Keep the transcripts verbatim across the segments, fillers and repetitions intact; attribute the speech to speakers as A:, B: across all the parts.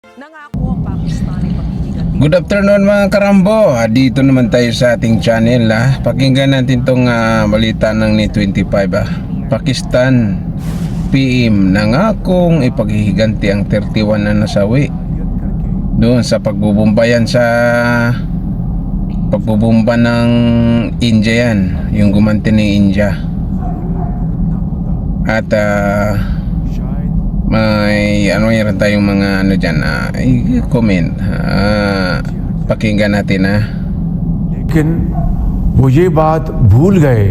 A: Nangako ang Pakistan ay paghihiganti.
B: Good afternoon mga karambo. Ah, Dito naman tayo sa ating channel. Ah. Pakinggan natin tong ah, balita ng Net twenty-five. Ah. Pakistan P M nangakong ipaghihiganti ang thirty-one na nasawi doon sa pagbubumbayan sa pagbubumba ng India yan, yung gumanti ng India. At uh, may ano yan tayong mga ano dyan, uh, i-comment, uh, pakinggan natin ha.
C: लेकिन वो ये बात भूल गए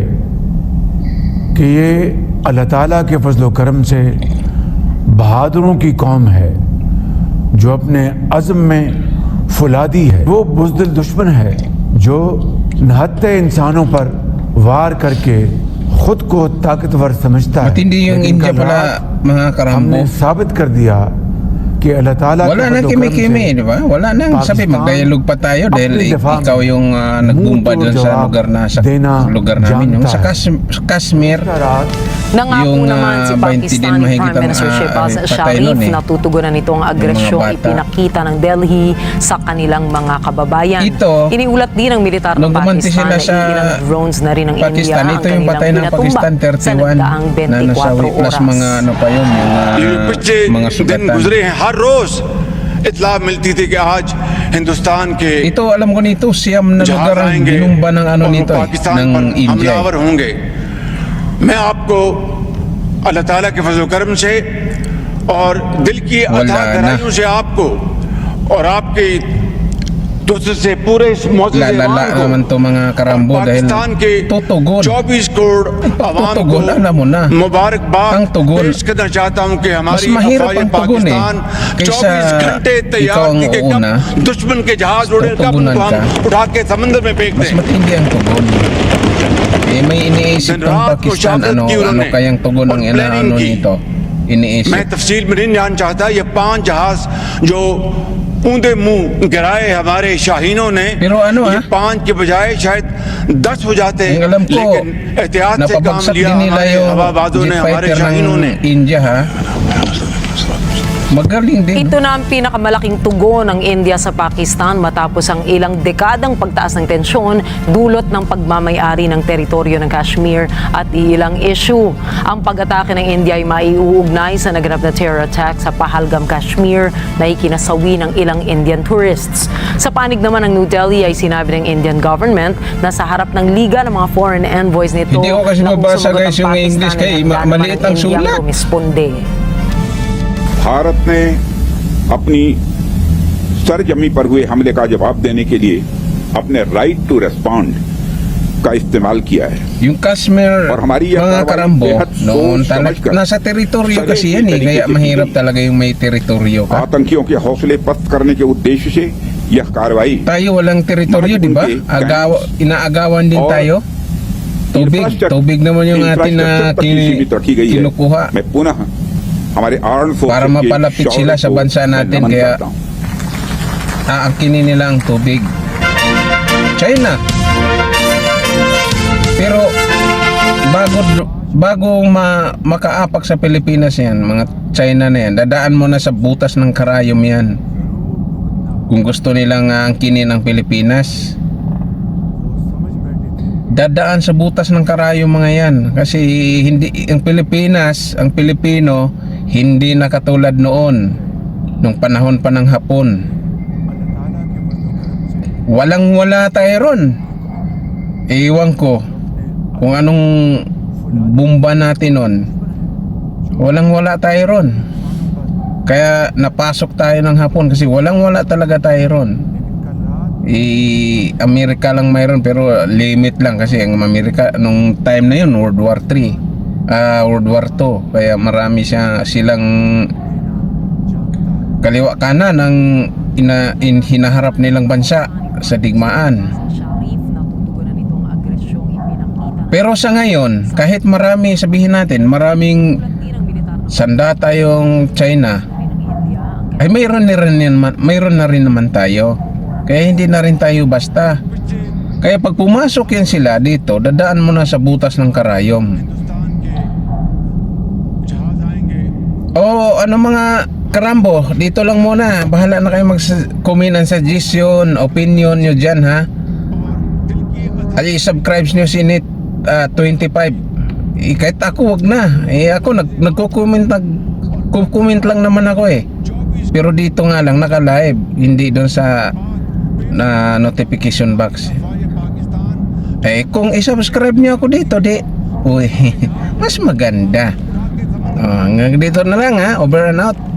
C: कि ये अल्लाह ताला के फजल व करम से बहादुरों की कौम है जो अपने अज़्म में फुलादी है। वो बुज़दिल दुश्मन है जो नहत्ते इंसानों पर वार करके खुद को ताकतवर समझता है।
B: Matindi yung
C: लेकिन
B: India
C: कल
B: pala
C: रात
B: mga karambo.
C: हमने साबित कर दिया कि अल्लाह ताला
B: Wala
C: के
B: nang
C: फजल व करम
B: kimi-kimi,
C: से
B: di ba? Wala nang sabi
C: Pakistan
B: mag-dialogue pa tayo dahil
C: अपनी
B: ik-
C: दफा में
B: ikaw yung uh, nagbumba
C: मुंह
B: dun
C: तोड़
B: sa
C: जवाब
B: lugar na sa
C: देना
B: lugar namin yung
C: जानता
B: sa
C: है।
B: Kas- Kashmir.
C: रात
A: Nangako
B: Yung,
A: naman
B: ah,
A: si
B: twenty din
A: Pakistani
B: mahigit
A: Prime
B: ang,
A: Minister
B: ah,
A: Shehbaz
B: patay
A: Sharif
B: nun eh.
A: na tutugunan itong
B: Yung mga
A: agresyong
B: bata.
A: ipinakita ng Delhi sa kanilang mga kababayan.
B: Ito,
A: Iniulat din ng militar ng
B: nung gumanti
A: Pakistan
B: sila
A: na
B: sa
A: ilang drones na rin ng
B: Pakistan,
A: India ang
B: ito yung
A: kanilang
B: patay ng
A: pinatumba
B: Pakistan
A: sa
B: thirty-one
A: nagdaang
B: na
A: twenty-four
B: nasawi plus
A: oras.
B: mga ano pa yun, yung
D: ये
B: uh,
D: पिछले
B: mga
D: दिन
B: sugatan.
D: गुजरे हैं। हर रोज इतला मिलती थी कि आज हिंदुस्तान के
B: Ito alam ko nito siyam na
D: जहाज
B: lugar ang
D: आएंगे
B: binumba ng ano
D: और वो
B: nito eh,
D: पाकिस्तान
B: ng
D: पर
B: India.
D: हमलावर
B: Eh.
D: होंगे। मैं आपको अल्लाह ताला के फजल करम से और दिल की
B: वल्लाह
D: अथाह
B: ना।
D: गहराइयों से आपको और आपके दोस्तों से पूरे इस मौजूद
B: Lalala naman to mga karambo dahil
D: Pakistan के
B: tutugon.
D: चौबीस करोड़ आवाम को
B: tutugon, alam mo na.
D: मुबारकबाद
B: Ang tugon.
D: पेश करना चाहता हूं कि
B: Mas
D: हमारी
B: mahirap
D: अफवाज
B: ang tugon eh,
D: पाकिस्तान
B: kaysa
D: चौबीस घंटे
B: ikaw
D: तैयार
B: ang
D: थी कि कब
B: uuna,
D: दुश्मन के जहाज उड़े कब
B: tutugunan
D: उनको हम
B: ka.
D: उठा के समंदर में फेंक
B: mas
D: दें।
B: matindi ang tugon. Eh may iniisip
D: Then
B: ng
D: रात को
B: Pakistan
D: शहादत
B: ano
D: की
B: ano
D: उन्होंने
B: kayang tugon
D: और
B: ng
D: planning
B: inaano
D: की।
B: nito.
D: मैं
B: Iniisip.
D: तफसील में नहीं जान चाहता। ये पांच जहाज जो ऊंधे मुंह गिराए हमारे शाहीनों ने,
B: Pero ano,
D: ये
B: ah?
D: पांच के बजाय शायद दस हो जाते,
B: Ang alam ko,
D: लेकिन एहतियात से काम
B: napabagsak
D: लिया
B: din nila
D: हमारे
B: yung
D: हवाबाजों
B: jet
D: ने, हमारे
B: fighter
D: शाहीनों ने।
B: ng India ha. Magaling din.
A: Ito na ang pinakamalaking tugon ng India sa Pakistan matapos ang ilang dekadang pagtaas ng tensyon dulot ng pagmamayari ng teritoryo ng Kashmir at ilang issue. Ang pag-atake ng India ay maiuugnay sa naganap na terror attack sa Pahalgam, Kashmir na ikinasawi ng ilang Indian tourists. Sa panig naman ng New Delhi ay sinabi ng Indian government na sa harap ng liga ng mga foreign envoys nito
B: Hindi ko kasi
A: na kung
B: mabasa,
A: sumagot
B: guys,
A: ang
B: yung
A: Pakistan
B: English
A: ay
B: kaya
A: handa naman
B: maliit ang
A: Indiang
B: sulat.
A: rumisponde.
E: Bharat ने अपनी सरजमी पर हुए हमले का जवाब देने के लिए अपने राइट टू रेस्पॉन्ड का इस्तेमाल किया है।
B: Yung Kashmir,
E: Or हमारी यह
B: mga
E: कार्रवाई
B: karambo,
E: बेहद
B: noon
E: सोच
B: talag,
E: समझकर
B: nasa teritoryo
E: सही
B: kasi yan eh,
E: तरीके
B: kaya
E: से
B: mahirap
E: की गई।
B: talaga yung may teritoryo ka.
E: आतंकियों के हौसले पस्त करने के उद्देश्य से यह कार्रवाई
B: Tayo walang teritoryo, di ba? Agaw, inaagawan din
E: और
B: tayo. Tubig,
E: infrastructure-
B: tubig naman yung atin na
E: infrastructure पर
B: kin-
E: सीमित रखी गई है।
B: kinukuha
E: मैं पुनः हमारे arm
B: para mapalapit sila sa bansa natin, kaya aangkinin nila ang tubig. China. Pero bago bago ma, makaapak sa Pilipinas yan, mga China na yan, dadaan mo na sa butas ng karayom yan. Kung gusto nilang aangkinin ang Pilipinas, dadaan sa butas ng karayom mga yan. Kasi hindi ang Pilipinas, ang Pilipino, hindi na katulad noon nung panahon pa ng Hapon. Walang wala tayo ron. Iwan ko kung anong bomba natin nun. Walang wala tayo ron. Kaya napasok tayo ng Hapon kasi walang wala talaga tayo ron. I Amerika lang mayroon pero limit lang kasi ang Amerika nung time na yun World War three, uh, World War two, kaya marami siya silang kaliwa kanan ng ina, in, hinaharap nilang bansa sa digmaan.
A: Sharif na tutugunan itong agresyong ipinakita.
B: Pero sa ngayon, kahit marami, sabihin natin, maraming sandata yung China, ay mayroon na rin, yan- mayroon na rin naman tayo. Kaya hindi na rin tayo basta. Kaya pag pumasok yan sila dito, dadaan mo na sa butas ng karayom. O ano mga Karambo, dito lang muna. Bahala na kayo mag-comment and suggestion, opinion nyo dyan, ha. At i-subscribe nyo si Nit uh, twenty-five. Eh, kahit ako, wag na. Eh, ako, nag nagko-comment, nag-comment lang naman ako eh. Pero dito nga lang, naka-live. Hindi doon sa na notification box. Eh, kung i-subscribe nyo ako dito, di, uy, mas maganda. Oh, hanggang dito na lang, ha. Over and out.